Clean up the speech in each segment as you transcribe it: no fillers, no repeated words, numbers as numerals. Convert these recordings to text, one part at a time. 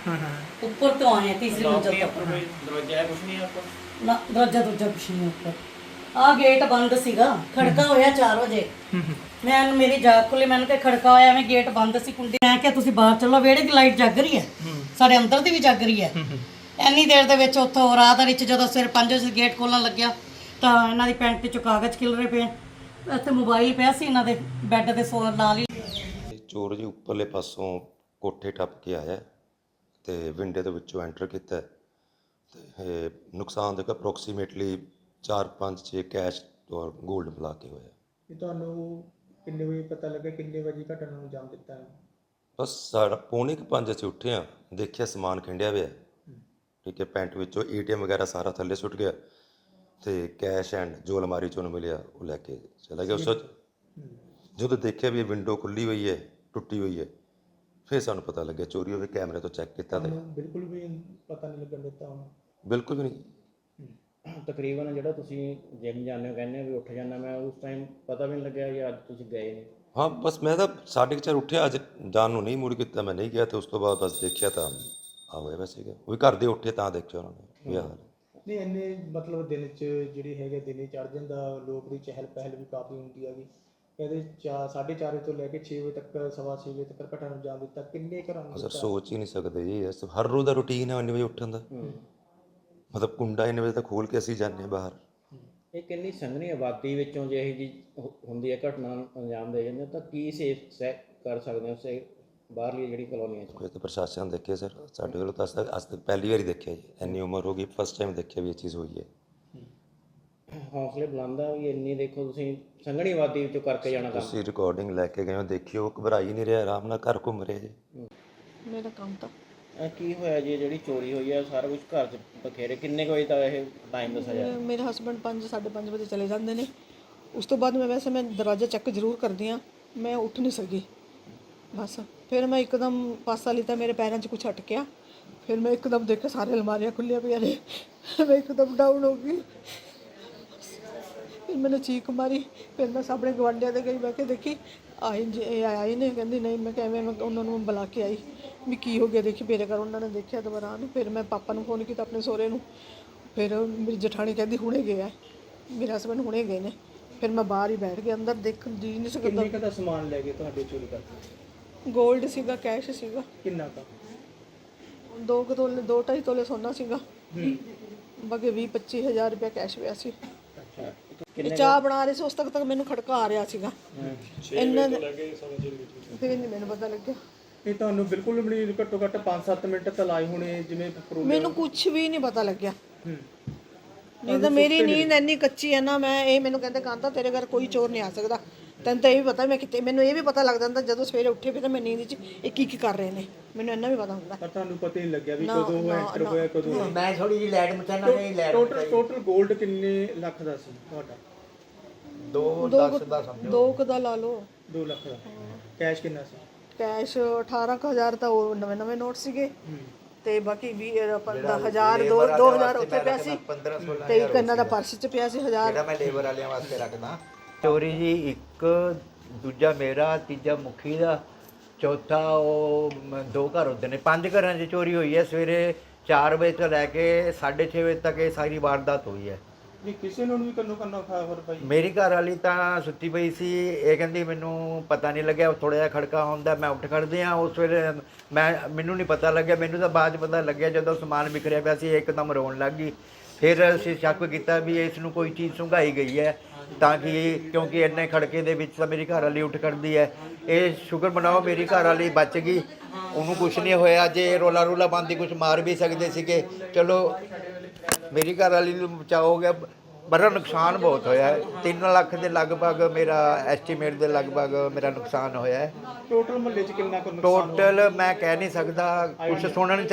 ऊपर तो आए हैं तीसरी मंजिल तक। दरवाजा है कुछ नहीं आपको? ना दरवाजा दूजा कुछ नहीं ऊपर। आ गेट बंद सीगा, खड़का होया 4 वजे। मैं मेरी जाग खुली, मैंने कहा खड़का होया, मैं गेट बंद सी, कुंडी मैं क्या तुसी बाहर चलो, वेड़े दी लाइट जग रही है, साडे अंदर दी भी जग रही है। ਇੰਨੀ ਦੇਰ ਦੇ ਵਿੱਚ ਉੱਥੋਂ ਰਾਤ ਦੇ ਵਿੱਚ ਜਦੋਂ ਸਵੇਰ 5 ਵਜੇ ਗੇਟ ਖੋਲਣ ਲੱਗਿਆ ਤਾਂ ਇਹਨਾਂ ਦੀ ਪੈਂਟ 'ਚੋਂ ਕਾਗਜ਼ ਖਿਲਰੇ ਪਏ, ਇੱਥੇ ਮੋਬਾਈਲ ਪਿਆ ਸੀ ਇਹਨਾਂ ਦੇ ਬੈੱਡ ਦੇ ਨਾਲ ਹੀ। ਚੋਰ ਜੀ ਉੱਪਰਲੇ ਪਾਸੋਂ ਕੋਠੇ ਟੱਪ ਕੇ ਆਇਆ ਤੇ ਵਿੰਡੇ ਦੇ ਵਿੱਚੋਂ ਐਂਟਰ ਕੀਤਾ ਤੇ ਨੁਕਸਾਨ ਦੇਖੋ ਅਪਰੋਕਸੀਮੇਟਲੀ 4-5-6 ਕੈਸ਼ ਔਰ 골ਡ ਮਿਲਾ ਕੇ ਹੋਇਆ। ਇਹ ਤੁਹਾਨੂੰ ਕਿੰਨੇ ਵਜੇ ਪਤਾ ਲੱਗਾ, ਕਿੰਨੇ ਵਜੇ ਘਟਨਾ ਨੂੰ ਅੰਜਾਮ ਦਿੱਤਾ ਹੈ? ਬਸ ਸਾਡਾ 4:45 ਅਸੀਂ ਉੱਠੇ ਹਾਂ, ਦੇਖਿਆ ਸਮਾਨ ਖਿੰਡਿਆ ਹੋਇਆ, ਠੀਕ ਹੈ, ਪੈਂਟ ਵਿੱਚੋਂ ATM ਵਗੈਰਾ ਸਾਰਾ ਥੱਲੇ ਸੁੱਟ ਗਿਆ ਤੇ ਕੈਸ਼ ਐਂਡ ਜੋ ਅਲਮਾਰੀ 'ਚੋਂ ਮਿਲਿਆ ਉਹ ਲੈ ਕੇ ਚਲਾ ਗਿਆ। ਉਸ ਤੋਂ ਜਦੋਂ ਦੇਖਿਆ ਵੀ ਇਹ ਵਿੰਡੋ ਖੁੱਲੀ ਹੋਈ ਹੈ, ਟੁੱਟੀ ਹੋਈ ਹੈ, ਫਿਰ ਸਾਨੂੰ ਪਤਾ ਲੱਗਿਆ ਚੋਰੀ ਹੋਵੇ। ਕੈਮਰੇ ਤੋਂ ਚੈੱਕ ਕੀਤਾ ਤੇ ਬਿਲਕੁਲ ਵੀ ਪਤਾ ਨਹੀਂ ਲੱਗਣ ਦਿੱਤਾ ਉਹਨੂੰ? ਬਿਲਕੁਲ ਵੀ ਨਹੀਂ। ਤਕਰੀਬਨ ਜਿਹੜਾ ਤੁਸੀਂ ਜਿਮ ਜਾਂਦੇ ਹੋ, ਕਹਿੰਦੇ ਵੀ ਉੱਠ ਜਾਂਦਾ, ਮੈਂ ਉਸ ਟਾਈਮ ਪਤਾ ਵੀ ਨਹੀਂ ਲੱਗਿਆ ਕਿ ਅੱਜ ਤੁਸੀਂ ਗਏ ਨੇ? ਹਾਂ, ਬਸ ਮੈਂ ਤਾਂ 4:30 ਉੱਠਿਆ, ਅੱਜ ਜਾਣ ਨੂੰ ਨਹੀਂ ਮੁੜ ਕੀਤਾ, ਮੈਂ ਨਹੀਂ ਗਿਆ ਤੇ ਉਸ ਤੋਂ ਬਾਅਦ ਬਸ ਦੇਖਿਆ ਤਾਂ ਆ ਹੋਇਆ ਵੈਸੇ ਸੀਗਾ। ਉਹ ਵੀ ਘਰ ਦੇ ਉੱਠੇ ਤਾਂ ਦੇਖਿਆ ਉਹਨਾਂ ਨੇ ਵੀ ਆਹ ਹਾਲ। ਨਹੀਂ ਇੰਨੇ ਮਤਲਬ ਦਿਨ 'ਚ ਜਿਹੜੀ ਹੈਗੇ ਦਿਨੇ ਚੜ੍ਹ ਜਾਂਦਾ, ਲੋਕ ਦੀ ਚਹਿਲ ਪਹਿਲ ਵੀ ਕਾਫੀ ਹੁੰਦੀ ਹੈਗੀ। ਕਹਿੰਦੇ 4:30 ਤੋਂ ਲੈ ਕੇ 6 ਵਜੇ ਤੱਕ, 6:15 ਵਜੇ ਤੱਕ ਘਟਨਾ ਨੂੰ ਅੰਜਾਮ ਦਿੱਤਾ। ਕਿੰਨੇ ਘਰਾਂ ਨੂੰ? ਸਰ ਸੋਚ ਹੀ ਨਹੀਂ ਸਕਦੇ ਜੀ, ਇਸ ਹਰ ਰੋਜ਼ ਦਾ ਰੂਟੀਨ ਹੈ 9 ਵਜੇ ਉੱਠਣ ਦਾ। ਮਤਲਬ ਕੁੰਡਾ 9 ਵਜੇ ਤੱਕ ਖੋਲ੍ਹ ਕੇ ਅਸੀਂ ਜਾਂਦੇ ਬਾਹਰ। ਇਹ ਕਿੰਨੀ ਸੰਘਣੀ ਆਬਾਦੀ ਵਿੱਚੋਂ ਜੇ ਇਹ ਜੀ ਹੁੰਦੀ ਹੈ ਘਟਨਾ ਨੂੰ ਅੰਜਾਮ ਦੇ ਜਾਂਦੇ ਤਾਂ ਕੀ ਸੇਫ ਕਰ ਸਕਦੇ ਹੋ ਉਸੇ ਬਾਹਰਲੀ ਜਿਹੜੀ ਕਲੋਨੀਆਂ 'ਚ? ਕੋਈ ਤਾਂ ਪ੍ਰਸ਼ਾਸਨ ਦੇਖੇ ਸਰ, ਸਾਡੇ ਕੋਲ ਤਾਂ ਅੱਜ ਤੱਕ ਪਹਿਲੀ ਵਾਰੀ ਦੇਖਿਆ ਜੀ, ਇੰਨੀ ਉਮਰ ਹੋ ਗਈ, ਫਸਟ ਟਾਈਮ ਦੇਖਿਆ ਵੀ ਇਹ ਚੀਜ਼ ਹੋਈ ਹੈ। ਹੌਸਲੇ ਬੁਲੰਦ ਆ ਵੀ ਇੰਨੀ ਦੇਖੋ ਤੁਸੀਂ ਸੰਘਣੀ ਆਬਾਦੀ ਵਿੱਚੋਂ ਕਰਕੇ ਜਾਣਾ ਕੰਮ। ਤੁਸੀਂ ਰਿਕਾਰਡਿੰਗ ਲੈ ਕੇ ਗਏ ਹੋ, ਦੇਖਿਓ, ਘਬਰਾ ਹੀ ਨਹੀਂ ਰਿਹਾ, ਆਰਾਮ ਨਾਲ ਘਰ ਘੁੰਮ ਰਿਹਾ ਜੀ। ਮੇਰਾ ਕੰਮ ਤਾਂ ਕੀ ਹੋਇਆ ਜੀ ਜਿਹੜੀ ਚੋਰੀ ਹੋਈ ਹੈ? ਸਾਰਾ ਕੁਝ ਘਰ 'ਚ ਬਖੇਰੇ। ਕਿੰਨੇ ਕੁ ਵਜੇ ਤੱਕ ਇਹ ਟਾਈਮ ਦੱਸਿਆ ਜਾ? ਮੇਰੇ ਹਸਬੰਡ 5-5:30 ਵਜੇ ਚਲੇ ਜਾਂਦੇ ਨੇ। ਉਸ ਤੋਂ ਬਾਅਦ ਮੈਂ ਦਰਵਾਜ਼ਾ ਚੈੱਕ ਜ਼ਰੂਰ ਕਰਦੀ ਹਾਂ, ਮੈਂ ਉੱਠ ਨਹੀਂ ਸਕੀ ਬਸ। ਫਿਰ ਮੈਂ ਇੱਕਦਮ ਪਾਸਾ ਲਿੱਤਾ, ਮੇਰੇ ਪੈਰਾਂ 'ਚ ਕੁਛ ਅਟਕਿਆ, ਫਿਰ ਮੈਂ ਇੱਕਦਮ ਦੇਖਿਆ ਸਾਰੇ ਅਲਮਾਰੀਆਂ ਖੁੱਲੀਆਂ ਪਈਆਂ ਨੇ, ਮੈਂ ਇੱਕਦਮ ਡਾਊਨ ਹੋ ਗਈ। ਫਿਰ मैंने चीख मारी, फिर मैं सामने गवांढिया दे गई, मैं देखी आई ने, कहती नहीं, मैं किवें उन्होंने बुला के आई भी की हो गया, देखी मेरे घर। उन्होंने देखा दोबारा, फिर मैं पापा को फोन किया अपने सहुरे नूं, फिर मेरी जठानी कहती हुणे गए, मेरे हसबैंड हुणे गए ने। फिर मैं बाहर ही बैठ गया, अंदर देख जी नहीं सकता। ਕਿੰਨੇ ਦਾ ਸਮਾਨ ਲੈ ਗਏ ਤੁਹਾਡੇ ਚੋਰੀ ਕਰਕੇ? गोल्ड सीगा, कैश सीगा, ਕਿੰਨਾ ਕਾ? 2-2.5 ਤੋਲੇ सोना सीगा, बाकी 20-25 हज़ार रुपया कैश पिया सी। ਚਾਹ ਬਣਾ ਰਹੇ ਸੀ, ਉਸ ਤੱਕ ਮੈਨੂੰ ਖੜਕਾ ਆ ਰਿਹਾ ਸੀਗਾ। ਇਹਨਾਂ ਨੇ ਫਿਰ ਨਹੀਂ ਮੈਨੂੰ ਪਤਾ ਲੱਗਿਆ। ਇਹ ਤੁਹਾਨੂੰ ਬਿਲਕੁਲ ਵੀ ਨਹੀਂ, ਘੱਟੋ ਘੱਟ 5-7 ਮਿੰਟ ਤਾਂ ਲਾਏ ਹੋਣੇ ਜਿਵੇਂ ਮੈਨੂੰ ਕੁਝ ਵੀ ਨਹੀਂ ਪਤਾ ਲੱਗਿਆ। ਨਹੀਂ ਤਾਂ ਮੇਰੀ ਨੀਂਦ ਇੰਨੀ ਕੱਚੀ ਹੈ ਨਾ, ਮੈਂ ਇਹ ਮੈਨੂੰ ਕਹਿੰਦੇ ਕਾਂਤਾ ਤੇਰੇ ਘਰ ਕੋਈ ਚੋਰ ਨਹੀਂ ਆ ਸਕਦਾ, ਤੈਨੂੰ ਤਾਂ ਇਹ ਵੀ ਪਤਾ ਮੈਂ ਕਿਤੇ, ਮੈਨੂੰ ਇਹ ਵੀ ਪਤਾ ਲੱਗ ਜਾਂਦਾ ਜਦੋਂ ਸਵੇਰੇ ਉੱਠੇ ਵੀ ਤਾਂ ਮੈਂ ਨੀਂਦ 'ਚ ਇਹ ਕੀ ਕਰ ਰਹੇ ਨੇ, ਮੈਨੂੰ ਇੰਨਾ ਵੀ ਪਤਾ ਹੁੰਦਾ। ਪਰ ਤੁਹਾਨੂੰ ਪਤਾ ਹੀ ਨਹੀਂ ਲੱਗਿਆ ਵੀ ਕਦੋਂ ਐਂਟਰ ਹੋਇਆ, ਕਦੋਂ? ਮੈਂ ਥੋੜੀ ਜਿਹੀ ਲਾਈਟ ਮਚਾਣਾ ਨਹੀਂ, ਲਾਈਟ ਟੋਟਲ 골ਡ ਕਿੰਨੇ ਲੱਖ ਦਾ ਸੀ ਤੁਹਾਡਾ? 2-10 ਦਾ ਸਮਝੋ, 2 ਦਾ ਲਾ ਲਓ। 2 ਲੱਖ ਦਾ। ਕੈਸ਼ ਕਿੰਨਾ ਸੀ? ਕੈਸ਼ 18,000 ਤਾਂ ਉਹ ਨਵੇਂ ਨੋਟ ਸੀਗੇ, ਤੇ ਬਾਕੀ 20,000 2,000 ਉੱਥੇ ਪਿਆ ਸੀ, 15-16 ਤੇ ਇੱਕ ਇਹਨਾਂ ਦਾ ਪਰਸ 'ਚ ਪਿਆ ਸੀ 1000। ਜਿਹੜਾ ਮੈਂ ਲੇਬਰ ਵਾਲਿਆਂ ਵਾਸਤੇ ਰੱਖਦਾ। ਚੋਰੀ ਜੀ ਇੱਕ, ਦੂਜਾ ਮੇਰਾ, ਤੀਜਾ ਮੁਖੀ ਦਾ, ਚੌਥਾ ਉਹ 2 ਘਰ ਹੁੰਦੇ ਨੇ। 5 ਘਰਾਂ 'ਚ ਚੋਰੀ ਹੋਈ ਹੈ। ਸਵੇਰੇ 4 ਵਜੇ ਤੋਂ ਲੈ ਕੇ 6:30 ਵਜੇ ਤੱਕ ਇਹ ਸਾਰੀ ਵਾਰਦਾਤ ਹੋਈ ਹੈ। ਨਹੀਂ ਕਿਸੇ ਨੂੰ ਵੀ ਕਰਨਾ ਖਬਰ ਪਈ? ਮੇਰੀ ਘਰ ਵਾਲੀ ਤਾਂ ਸੁੱਤੀ ਪਈ ਸੀ, ਇਹ ਕਹਿੰਦੀ ਮੈਨੂੰ ਪਤਾ ਨਹੀਂ ਲੱਗਿਆ, ਥੋੜ੍ਹਾ ਜਿਹਾ ਖੜਕਾ ਹੁੰਦਾ, ਮੈਂ ਉੱਠ ਖੜਦੇ ਹਾਂ। ਉਸ ਵੇਲੇ ਮੈਨੂੰ ਨਹੀਂ ਪਤਾ ਲੱਗਿਆ, ਮੈਨੂੰ ਤਾਂ ਬਾਅਦ 'ਚ ਪਤਾ ਲੱਗਿਆ ਜਦੋਂ ਸਮਾਨ ਵਿਖਰਿਆ ਪਿਆ ਸੀ, ਇੱਕਦਮ ਰੋਣ ਲੱਗ ਗਈ। ਫਿਰ ਅਸੀਂ ਸ਼ੱਕ ਕੀਤਾ ਵੀ ਇਸ ਨੂੰ ਕੋਈ ਚੀਜ਼ ਸੁੰਘਾਈ ਗਈ ਹੈ, ਤਾਂ ਕਿ ਕਿਉਂਕਿ ਇੰਨੇ ਖੜਕੇ ਦੇ ਵਿੱਚ ਤਾਂ ਮੇਰੀ ਘਰ ਵਾਲੀ ਉੱਠ ਖੜਦੀ ਹੈ। ਇਹ ਸ਼ੁਕਰ ਮਨਾਓ ਮੇਰੀ ਘਰ ਵਾਲੀ ਬਚ ਗਈ, ਉਹਨੂੰ ਕੁਛ ਨਹੀਂ ਹੋਇਆ। ਜੇ ਰੋਲਾ ਪਾਉਂਦੀ ਕੁਛ ਮਾਰ ਵੀ ਸਕਦੇ ਸੀਗੇ, ਚਲੋ ਮੇਰੀ ਘਰ ਵਾਲੀ ਨੂੰ ਬਚਾਅ ਹੋ ਗਿਆ। ਬੜਾ ਨੁਕਸਾਨ ਬਹੁਤ ਹੋਇਆ ਹੈ, 3 ਲੱਖ ਦੇ ਲਗਭਗ ਮੇਰਾ ਐਸਟੀਮੇਟ ਦੇ ਲਗਭਗ ਮੇਰਾ ਨੁਕਸਾਨ ਹੋਇਆ ਹੈ। ਟੋਟਲ ਮਹੱਲੇ 'ਚ ਕਿੰਨਾ ਕੁ ਨੁਕਸਾਨ? ਟੋਟਲ ਮੈਂ ਕਹਿ ਨਹੀਂ ਸਕਦਾ, ਕੁਛ ਸੁਣਨ 'ਚ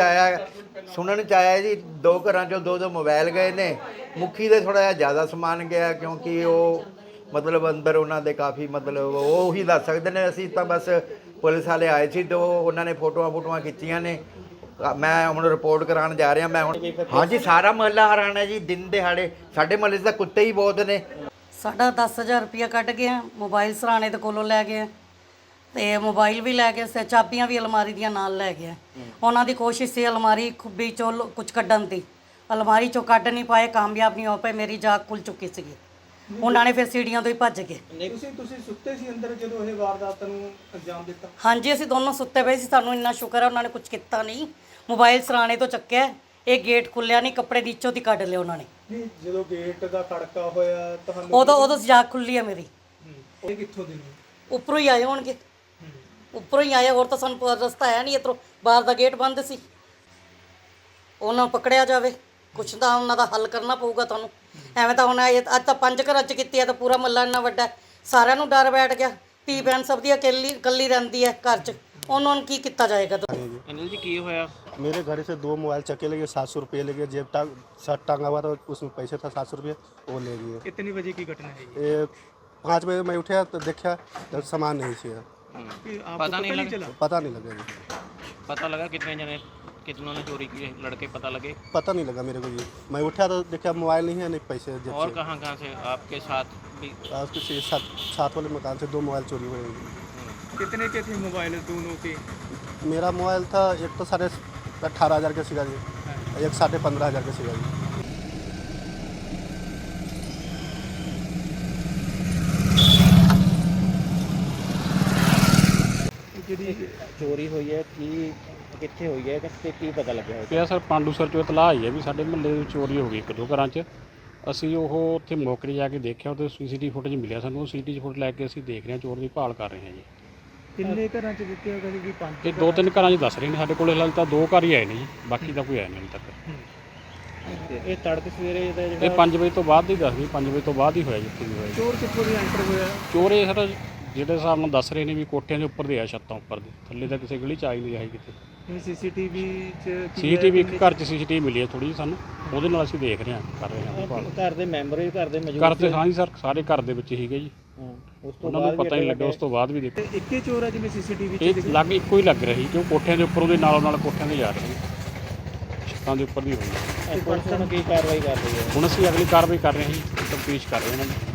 ਆਇਆ ਜੀ 2 ਘਰਾਂ 'ਚੋਂ 2 ਮੋਬਾਈਲ ਗਏ ਨੇ। ਮੁਖੀ ਦੇ ਥੋੜ੍ਹਾ ਜਿਹਾ ਜ਼ਿਆਦਾ ਸਮਾਨ ਗਿਆ, ਕਿਉਂਕਿ ਉਹ ਮਤਲਬ ਅੰਦਰ ਉਹਨਾਂ ਦੇ ਕਾਫੀ ਮਤਲਬ ਉਹ ਹੀ ਦੱਸ ਸਕਦੇ ਨੇ। ਅਸੀਂ ਤਾਂ ਬਸ ਪੁਲਿਸ ਵਾਲੇ ਆਏ ਸੀ ਤੇ ਉਹਨਾਂ ਨੇ ਫੋਟੋਆਂ ਖਿੱਚੀਆਂ ਨੇ। मैं ਹੁਣ ਰਿਪੋਰਟ ਕਰਾਉਣ ਜਾ ਰਿਹਾ। ਮੈਂ ਹੁਣ ਹਾਂਜੀ ਸਾਰਾ ਮਹੱਲਾ ਹੈਰਾਨ ਹੈ ਜੀ, ਦਿਨ ਦਿਹਾੜੇ ਸਾਡੇ ਮਹੱਲੇ 'ਚ ਤਾਂ ਕੁੱਤੇ ਹੀ ਬਹੁਤ ਨੇ। ਸਾਡਾ 10,000 ਰੁਪਇਆ ਕੱਢ ਗਿਆ, ਮੋਬਾਈਲ ਸਰਾਣੇ ਦੇ ਕੋਲੋਂ ਲੈ ਗਏ, ਤੇ ਮੋਬਾਈਲ ਵੀ ਲੈ ਗਏ ਤੇ ਚਾਬੀਆਂ ਵੀ ਅਲਮਾਰੀ ਦੀਆਂ ਨਾਲ ਲੈ ਗਏ। ਉਹਨਾਂ ਦੀ ਕੋਸ਼ਿਸ਼ ਸੀ ਅਲਮਾਰੀ ਖੁੱਬੀ ਚੋਂ ਕੁਝ ਕੱਢਣ ਦੀ, ਅਲਮਾਰੀ ਚੋਂ ਕੱਢ ਨਹੀਂ ਪਾਏ, ਕਾਮਯਾਬ ਨਹੀਂ ਹੋ ਪਏ, ਮੇਰੀ ਜਾਗ ਖੁੱਲ ਚੁੱਕੀ ਸੀਗੀ। ਉਹਨਾਂ ਨੇ ਫਿਰ ਸੀੜੀਆਂ ਤੋਂ ਹੀ ਭੱਜ ਗਏ। ਤੁਸੀਂ ਸੁੱਤੇ ਸੀ ਅੰਦਰ ਜਦੋਂ ਇਹ ਵਾਰਦਾਤ ਨੂੰ ਅੰਜਾਮ ਦਿੱਤਾ? ਹਾਂਜੀ, ਅਸੀਂ ਦੋਨੋਂ ਸੁੱਤੇ ਪਏ ਸੀ। ਸਾਨੂੰ ਇੰਨਾ ਸ਼ੁਕਰ ਹੈ ਉਹਨਾਂ ਨੇ ਕੁਝ ਕੀਤਾ ਨਹੀਂ। ਮੋਬਾਈਲ ਸਰਾਣੇ ਤੋਂ ਚੱਕਿਆ, ਇਹ ਗੇਟ ਖੁੱਲਿਆ ਨਹੀਂ, ਕੱਪੜੇ ਦੀ ਇੱਚੋ ਦੀ ਕੱਢ ਲਿਆ ਉਹਨਾਂ ਨੇ। ਨਹੀਂ, ਜਦੋਂ ਗੇਟ ਦਾ ਖੜਕਾ ਹੋਇਆ ਤੁਹਾਨੂੰ ਉਦੋਂ ਜਾਗ ਖੁੱਲੀ ਹੈ ਮੇਰੀ। ਇਹ ਕਿੱਥੋਂ ਦੇ ਨੇ? ਉੱਪਰੋਂ ਹੀ ਆਏ ਹੋਣਗੇ, ਉੱਪਰੋਂ ਹੀ ਆਏ, ਹੋਰ ਤਾਂ ਸਾਨੂੰ ਰਸਤਾ ਹੈ ਨਹੀਂ ਇੱਧਰੋਂ, ਬਾਹਰ ਦਾ ਗੇਟ ਬੰਦ ਸੀ। ਉਹਨਾਂ ਨੂੰ ਪਕੜਿਆ ਜਾਵੇ, ਕੁਛ ਤਾਂ ਉਹਨਾਂ ਦਾ ਹੱਲ ਕਰਨਾ ਪਊਗਾ ਤੁਹਾਨੂੰ। ਐਵੇਂ ਤਾਂ ਹੁਣ ਅੱਜ ਤਾਂ 5 ਘਰਾਂ 'ਚ ਕੀਤੀ ਹੈ ਤਾਂ ਪੂਰਾ ਮੱਲਾ ਇੰਨਾ ਵੱਡਾ, ਸਾਰਿਆਂ ਨੂੰ ਡਰ ਬੈਠ ਗਿਆ। ਧੀ ਭੈਣ ਸਭ ਦੀ ਇਕੱਲੀ ਰਹਿੰਦੀ ਹੈ ਘਰ 'ਚ, ਉਹਨਾਂ ਨੂੰ ਕੀ ਕੀਤਾ ਜਾਏਗਾ? ਅਨਿਲ ਜੀ ਕੀ ਹੋਇਆ? मेरे घर से 2 मोबाइल चक्के ले गए, 700 रुपये ले गए, जेब शर्ट टांगा हुआ था उसमें पैसे था 700 रुपये, वो ले गए। कितनी बजे की घटना है ये 5 बजे मैं उठा तो देखा तो सामान नहीं चाहिए, ये? पता नहीं लगा? पता नहीं लगा जी, पता लगा कितनों ने चोरी की है? लड़के पता लगे? पता नहीं लगा मेरे को ये। मैं उठा तो देखा मोबाइल नहीं है, नहीं पैसे जेब और से। कहाँ से आपके साथ भी? उसके साथ वाले मकान से 2 मोबाइल चोरी हुए। कितने के थे मोबाइल दोनों के? मेरा मोबाइल था एक तो 18,500 का सीगा जी, एक 15,500 का सीगा जी। ਜਿਹੜੀ ਚੋਰੀ ਹੋਈ ਹੈ ਕਿੱਥੇ ਹੋਈ ਹੈ ਤੇ ਕੀ ਪਤਾ ਲੱਗਿਆ? ਪਿਆ ਸਰ ਪਾਂਡੂਸਰ ਚੋਂ ਇਤਲਾਹ ਆਈ ਹੈ ਵੀ ਸਾਡੇ ਮੁਹੱਲੇ ਵਿੱਚ ਚੋਰੀ ਹੋ ਗਈ 1-2 ਘਰਾਂ 'ਚ। ਅਸੀਂ ਉਹ ਉੱਥੇ ਮੌਕੇ ਜਾ ਕੇ ਦੇਖਿਆ, ਉਹਦੇ CCTV ਫੁਟੇਜ ਮਿਲਿਆ ਸਾਨੂੰ। ਉਹ CCTV ਫੁਟੇਜ ਲੈ ਕੇ ਅਸੀਂ ਦੇਖ ਰਹੇ ਹਾਂ, ਚੋਰ ਦੀ ਭਾਲ ਕਰ ਰਹੇ ਹਾਂ ਜੀ। ਕਿੰਨੇ ਘਰਾਂ 'ਚ ਦਿੱਤੇ ਹੋਗਾ ਜੀ? 5? ਇਹ 2-3 ਘਰਾਂ 'ਚ ਦੱਸ ਰਹੇ ਨੇ, ਸਾਡੇ ਕੋਲ ਹਾਲੇ ਤਾਂ 2 ਘਰ ਹੀ ਆਏ ਨੇ ਜੀ, ਬਾਕੀ ਤਾਂ ਕੋਈ ਆਇਆ ਨਹੀਂ ਹਾਲੇ ਤੱਕ। ਇਹ ਤੜਕੇ ਸਵੇਰੇ ਦਾ ਇਹ 5 ਵਜੇ ਤੋਂ ਬਾਅਦ ਹੀ ਦੱਸਦੀ, 5 ਵਜੇ ਤੋਂ ਬਾਅਦ ਹੀ ਹੋਇਆ ਜਿੱਥੇ ਵੀ ਹੋਇਆ। ਚੋਰ ਕਿੱਥੋਂ ਦੀ ਐਂਟਰ ਹੋਇਆ? ਚੋਰ ਇਹ ਸਰ ਜਿਹੜੇ ਹਿਸਾਬ ਨਾਲ ਦੱਸ ਰਹੇ ਨੇ ਵੀ ਕੋਠਿਆਂ ਦੇ ਉੱਪਰ ਦੇ ਆ, ਛੱਤਾਂ ਉੱਪਰ ਦੇ, ਥੱਲੇ ਤਾਂ ਕਿਸੇ ਗਲੀ 'ਚ ਆਈ ਨਹੀਂ ਆਈ ਕਿਤੇ। CCTV 'ਚ CCTV ਇੱਕ ਘਰ 'ਚ CCTV ਮਿਲੀ ਹੈ ਥੋੜੀ ਜਿਹੀ ਸਾਨੂੰ, ਉਹਦੇ ਨਾਲ ਅਸੀਂ ਦੇਖ ਰਹੇ ਹਾਂ, ਕਰ ਰਹੇ ਹਾਂ ਭਾਲ। ਘਰ ਦੇ ਮੈਂਬਰ ਵੀ ਘਰ ਦੇ ਮੌਜੂਦ ਘਰ ਤੇ ਹਾਂ ਜੀ ਸਰ, ਸਾਰੇ ਘਰ ਦੇ ਵਿੱਚ ਸੀਗੇ ਜੀ, ਉਸ ਤੋਂ ਉਹਨਾਂ ਨੂੰ ਪਤਾ ਨਹੀਂ ਲੱਗਾ। ਉਸ ਤੋਂ ਬਾਅਦ ਵੀ ਦੇਖੋ ਇੱਕੇ ਚੋਰ ਆ ਜਿਵੇਂ CCTV 'ਚ ਇਹ ਲੱਗ ਇੱਕੋ ਹੀ ਲੱਗ ਰਹੀ, ਕਿਉਂ ਕੋਠਿਆਂ ਦੇ ਉੱਪਰ ਉਹਦੇ ਨਾਲੋਂ ਨਾਲ ਕੋਠਿਆਂ ਦੇ ਜਾ ਰਹੇ ਸੀ, ਛੱਤਾਂ ਦੇ ਉੱਪਰ ਵੀ ਹੋਈ। ਪੁਲਿਸ ਨੂੰ ਕੀ ਕਾਰਵਾਈ ਕਰ ਰਹੀ ਹੈ? ਹੁਣ ਅਸੀਂ ਅਗਲੀ ਕਾਰਵਾਈ ਕਰ ਰਹੇ ਹਾਂ ਜੀ, ਤਫਤੀਸ਼ ਕਰ ਰਹੇ ਹਾਂ ਉਹਨਾਂ ਦੀ।